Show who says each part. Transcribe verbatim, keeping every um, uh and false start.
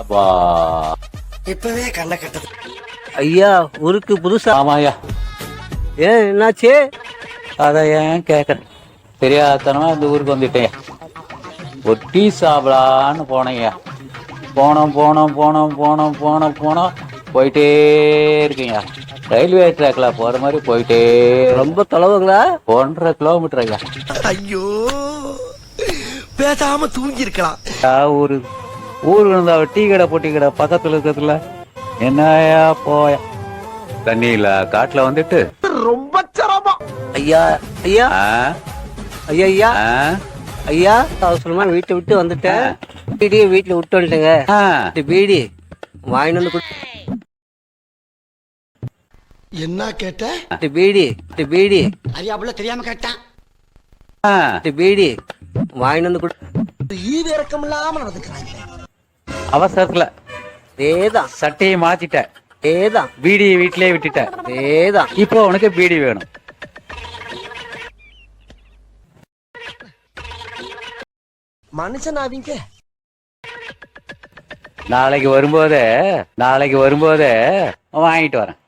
Speaker 1: வா
Speaker 2: இப்பவே கண்ண கட்டது.
Speaker 3: ஐயா ஊருக்கு புதுசா?
Speaker 1: ஆமாய்யா.
Speaker 3: ஏன் என்னாச்சு?
Speaker 1: அதை ஏன் கேட்குறேன், தெரியாதனமா இந்த ஊருக்கு வந்துட்டேன். ஒரு டீ சாப்பிடலான்னு போனேங்க. போனோம் போனோம் போனோம் போனோம் போனோம் போனோம் போயிட்டே இருக்கீங்க. ரயில்வே ட்ராக்ல போற மாதிரி போயிட்டே
Speaker 3: ரொம்ப தொலைவுங்களா?
Speaker 1: ஒன்றரை கிலோமீட்டர் ஐயா.
Speaker 2: ஐயோ பேசாம தூங்கி இருக்கலாம்.
Speaker 1: ஊரு ஊருக்கு இருந்தா டீ கடை பொட்டி கடை பக்கத்துல இருக்கிறதுல என்னயா போயா தண்ணியில காட்டுல வந்துட்டு
Speaker 2: ரொம்ப சிரமம்.
Speaker 3: ஐயா ஐயா
Speaker 1: ஆ,
Speaker 3: ஐயா ஐயா
Speaker 1: ஆ,
Speaker 3: ஐயா அவசரமா வீட்டை விட்டு வந்துட்டேன். பீடியை வீட்டுல விட்டு வந்துட்டேங்க.
Speaker 1: ஆ.
Speaker 3: இந்த பீடி வாங்கிட்டு வந்து கொடு.
Speaker 2: என்ன கேட்ட?
Speaker 3: இந்த பீடி இந்த பீடி
Speaker 2: அறியாப்புல தெரியாம கேட்டான்.
Speaker 1: ஆ.
Speaker 3: இந்த பீடி வாங்கிட்டு வந்து கொடு.
Speaker 2: ஈவு இறக்கம் இல்லாம நடந்துக்கிறாங்க.
Speaker 1: அவசரத்துல
Speaker 3: அதேதான்
Speaker 1: சட்டையை மாத்திட்டேன்,
Speaker 3: அதேதான்
Speaker 1: பீடியை வீட்டிலேயே விட்டுட்டேன்.
Speaker 3: அதேதான்.
Speaker 1: இப்போ உனக்கு பீடி வேணும்.
Speaker 2: மனுஷன் அவங்க
Speaker 1: நாளைக்கு வரும்போதே நாளைக்கு வரும்போதே வாங்கிட்டு வரேன்.